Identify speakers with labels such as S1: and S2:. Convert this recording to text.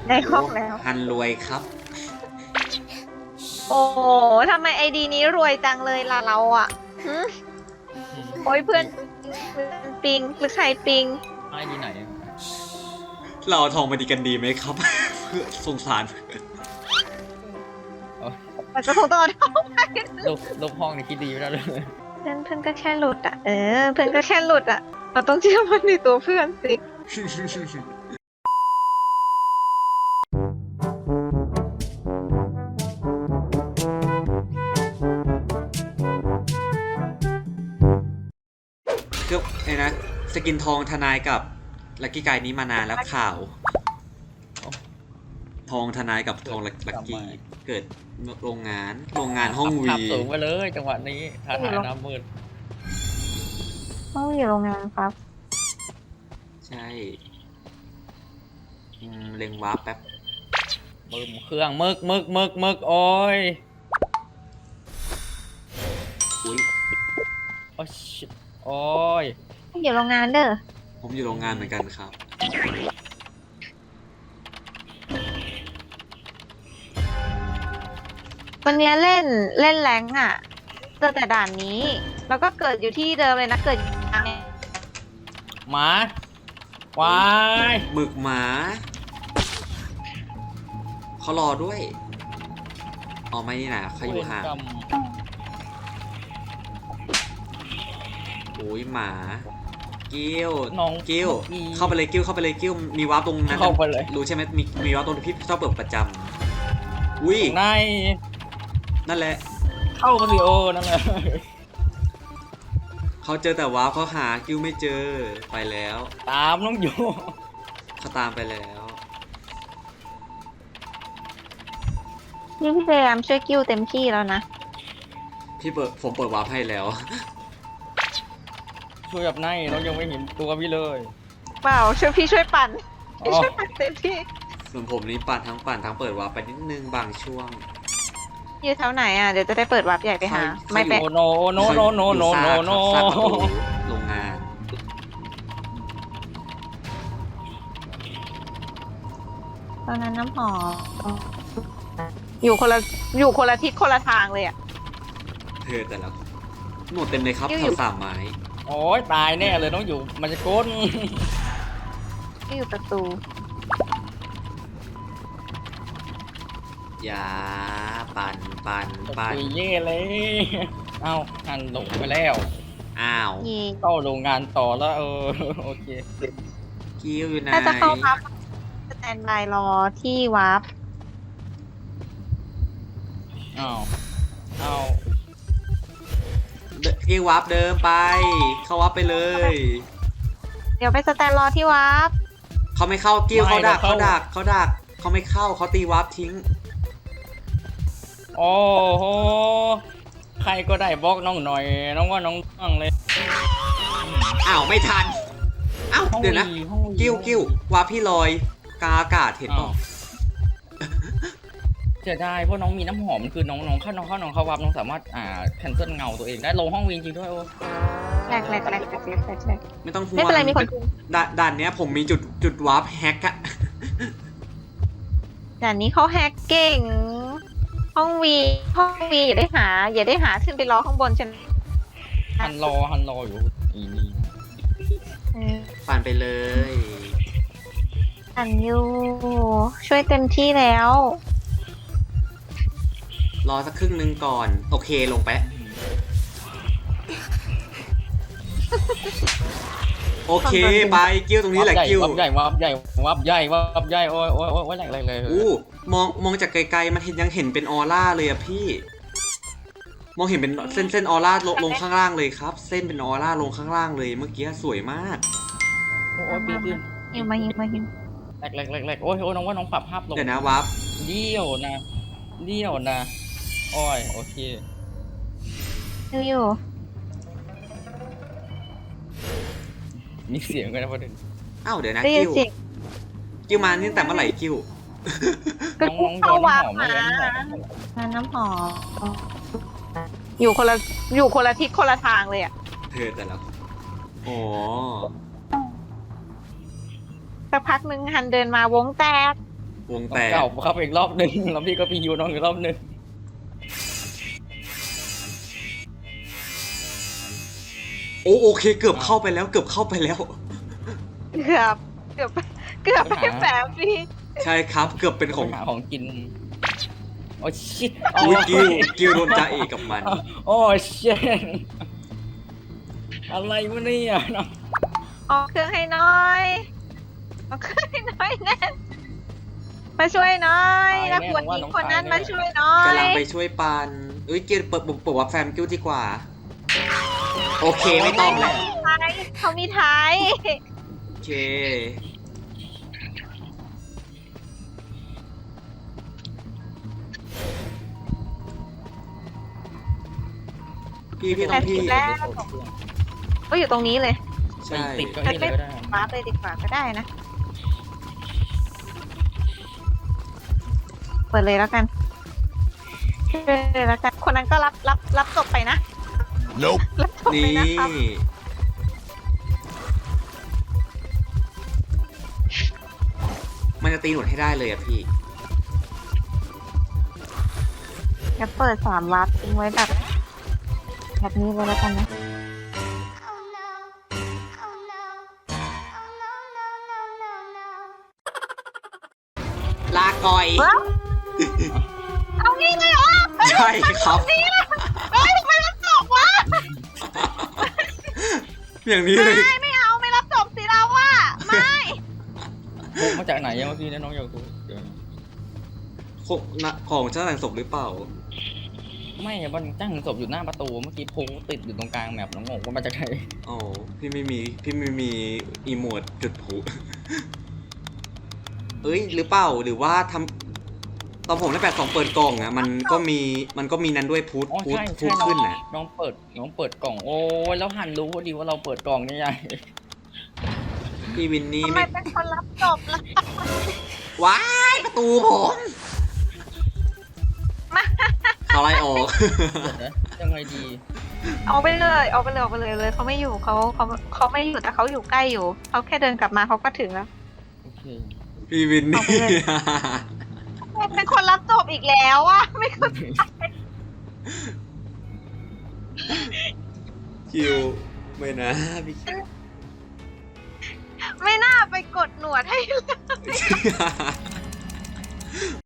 S1: ในห้องแล้ว
S2: ฮันรวยครับ
S1: โอ้โหทำไมไอดีนี้รวยจังเลยล่ะเราอ่ะหึโอ้ยเพื่อนปิงหรือใครปิง
S3: ไอ้ดีไหน
S2: เราเอาทองมาดีกันดีไหมครับ เพื่อสงสาร
S1: มันจะคงต้องเอาเท่าไป
S3: ลูกห้องนี่คิดดีไม่ได้เลย
S1: เพื่อนก็แค่หลุดอ่ะเพื่อนก็แค่หลุดอ่ะเราต้องเชื่อมันในตัวเพื่อนสิ
S2: ก็ไอ้นะสกินทองทนายกับลักกี้ไกนี้มานานแล้วข่าว ทองทนายกับทองลักกี้เกิดโรงงานห้องวี
S3: ขับสูงไปเลยจังหวะนี้ท้าทายน้ำมืด
S1: ต้องอยู่โรงงานครับ
S2: ใช่เล็งวาร์ปแป๊บ
S3: บึมเครื่องมึกโอ้ย
S2: อุ้ย
S3: โอ้ยชิบโอ้ย
S1: ต้องอยู่โรงงานเด้อ
S2: ผมอยู่โรงงานเหมือนกันครับ
S1: วันนี้เล่นแรงอ่ะเจอแต่ด่านนี้ แล้วก็เกิดอยู่ที่เดิมเลยนะเกิดอยู่ทาง
S3: หมาวาย
S2: หมึกหมาเขารอด้วยอ๋อไม่นี่นะเขาอยู่ห่าง
S3: กรรม
S2: โอ้ยหมากิ้ว
S3: น้อง
S2: กิ้ว
S3: มื่อกี้
S2: เข้าไปเลยกิ้วเข้าไปเลยกิ้วมีวาร์ปตรงนั้น
S3: เข้าไปเลย
S2: รู้ใช่ไหมมีวาร์ปตรงที่พี่ชอบเปิดประจำอุ้ย
S3: ใน
S2: นั่นแหละ
S3: เข้ามาสิโอนั่นแหละ
S2: เขาเจอแต่วาร์ปเขาหากิ้วไม่เจอไปแล้ว
S3: ตามน้องอยู่
S2: เขาตามไปแล้ว
S1: นี่พี่พยายามช่วยกิ้วเต็มที่แล้วนะ
S2: ผมเปิดวาร์ปให้แล้ว
S3: ช่วยแบบในน้องยังไม่เห็นตัวพี่เลย
S1: เปล่าช่วยพี่ช่วยปั่น
S3: อ๋อ
S1: พี่ช่วยปั่นเต็มที่
S2: ส่วนผมนี่ปั่นทั้งเปิดวาร์ปไปนิดนึงบางช่วง
S1: อยู่แถวไหนอ่ะเดี๋ยวจะได้เปิดวาร์ปใหญ่ไปหา
S2: เขา
S1: ไม่เป็น
S3: โอโนโนโนโนโนโนโน
S2: ซากประตูโรงงาน
S1: ตอนนั้นน้ำหอมอยู่คนละทิศคนละทางเลยอ่ะ
S2: เธอแต่ละหมดเต็มเลยครับ
S1: กิ้ว
S2: แถ
S1: อยู่
S2: วสามไม้
S3: โอ้ยตายแน่เลยน้องอยู่มันจะก้น
S1: ที่อยู่ประตู
S2: อย่าปั่น
S3: ตุยเย่เลยเอ้าหันลงไปแล้ว
S2: อ้าว
S1: ยิง
S3: เข้าโรงงานต่อแล้วโอเค
S2: กิ้วอยู่ไหน
S1: ถ้าจะเข้าวาร์ปสแตนบายรอที่วาร์ป
S3: อ้าวอ้าว
S2: กิ้ววาร์ปเดิมไป เข้าวาร์ปไปเลย
S1: เดี๋ยวไปสแตนรอที่วาร์ป
S2: เขาไม่เข้ากิ้วเขาดักเขาไม่เข้าเขาตีวาร์ปทิ้ง
S3: โอ้โหใครก็ได้บล็อกน้องหน่อย น้องว่าน้องตั้งเลย
S2: อ้าวไม่ทันอ้าวเดี๋ยวนะ
S3: ห้องวี
S2: กิ้ววาร์ปพี่ลอยกลางอากาศเห็นเปล่า
S3: เสียดายเพราะน้องมีน้ำหอมคือน้องเข้าวับน้องสามารถแคนเซิลเงาตัวเองได้ลงห้องวีจริงด้วยโอ้
S1: แรก
S2: ไม่ต้องห่วง
S1: ไม่เป็นไรมีคน
S2: ด่านเนี้ยผมมีจุดวาร์ปแฮกอะ
S1: แต่นี้เขาแฮกเก่ง ห้องวีอย่าได้หาขึ้นไปรอข้างบนใช่ไหม
S3: ฮันรออยู่อีนี่
S2: ปั่นไปเลย
S1: อันยูช่วยเต็มที่แล้ว
S2: รอสักครึ่งนึงก่อน โอเคลงไป โอเคไปกิ้วตรงนี้แหละกิ้ว
S3: วับใหญ่โอ้ยแหลกเลย
S2: อู้มองจากไกลๆมันยังเห็นเป็นออร่าเลยอะพี่ มองเห็นเป็นเส้นออร่าลงข้างล่างเลยครับ เส้นเป็นออร่าลงข้างล่างเลยเมื่อกี้สวยมาก
S3: โอ้ยปีน
S1: ยิงมา
S3: แหลกโอ้ยน้องว่าน้องปรับภาพลง
S2: เดี๋ยวนะวาร์ป
S3: เดี่ยวนะโอ้ยโอเค
S1: อยู่
S3: มีเสียงกันนะประเด็น
S2: อ้าวเดี๋ยวนะ
S1: ได้ยิน
S2: กิ้ว
S1: เสียง
S2: กิ้วมานี่แต่เมื่อไหร่กิ้ว
S1: ก็
S3: น้องโด
S1: เข้าน วาร์ป
S3: น้ำหอม
S1: มาน้ำหอมอยู่คนละทิศคนละทางเลยอ่ะ
S2: เธอแต่ละอ๋อ
S1: สักพักหนึ่งฮันเดินมาวงแตก
S2: วงแตก
S3: เก่าเข้าไปอีกรอบหนึ่งแล้วพี่ก็ไปยูน้องอีกรอบหนึ่ง
S2: โอเคเกือบเข้าไปแล้วเกือบเข้าไปแล้ว
S1: เกือบเกือบเกือบไม่แฝงพี่
S2: ใช่ครับเกือบเป็นของ
S3: หาของกินโอ้ชิต
S2: อุ้ยกิวโดนจ่าเอกกับมัน
S3: โอ้ชิตอะไรวะเนี่ยน้อง
S1: ออกเครื่องให้น้อยออกเครื่องให้น้อยแน่นมาช่วยน้อยนักบวชหญิงคนนั้นมาช่วยน้อย
S2: กำลังไปช่วยปันเอ้ยกิวเปิดว่าแฟมกิวดีกว่า โอเคไม่ต้องแล้ว
S1: เขามีท้าย
S2: โอเคพี่ต้องพี่
S1: ก็อยู่ตรงนี้เลย
S2: ใช่
S3: ติดก็นี่เลยก็ได้
S1: มาร์คเลยดีกว่าก็ได้นะ เปิดเลยแล้วกันเปิดเลยแล้วกัน คนนั้นก็รับจบไปนะ
S4: Nope.
S1: รับจบไป
S2: นี่
S1: นะครับ
S2: มันจะตีหนวดให้ได้เลยอะพี่
S1: จะเปิด3วับทิ้งไว้แบบนี้เลยแล้วกันนะ
S5: Oh no. Oh no. Oh no, no, no, no, no.
S2: ลาก่อย
S1: ว้าวเอางี้เลยเหรอ
S2: ใช่ครับ
S1: เฮ้ยทำไมรับจบวะ
S2: อย่างนี้เลย
S1: ไม่เอาไม่รับจบสิเราอะไม่
S3: พกมาจากไหนยังเมื่อกี้เนี่ยน้องอยากรู้เดี๋ยว
S2: ของเจ้าแต่งศพหรือเปล่า
S3: ไม่อะมันตั้งศพอยู่หน้าประตูเมื่อกี้โพกติดอยู่ตรงกลางแมปน้องงงว่ามาจากไหน
S2: อ๋อ พี่ไม่มีอีโมดจุดผุ เอ้ย หรือเปล่า หรือว่าทำตอนผมได้8-2เปิดกล่องอะมันก็มีนั้นด้วยพุท
S3: อ๋อใช่
S2: พุท
S3: ใช่
S2: ขึ้นน่ะ
S3: น้องเปิดกล่องโอ้ยแล้วหันรู้พอดีว่าเราเปิดกล่องนี่ใหญ่
S2: พี่วินนี่
S1: ทำไม
S2: ไม่
S1: เป็นคนรับจบล่ะ
S2: ว้ายประตูผมเขาไล่ออก
S3: เดี๋ยวนะยังไงดี
S1: เอาไปเลยเลยเขาไม่อยู่เขาไม่อยู่แต่เขาอยู่ใกล้อยู่เขาแค่เดินกลับมาเขาก็ถึงแล้ว
S3: โอเค
S2: พี่วินนี่
S1: เอาไปเลย เป็นคนรับจบอีกแล้วอะไม่เข้าใจ
S2: คิวไม่นะพี่คิว
S1: ไม่น่าไปกดหนวดให้เลย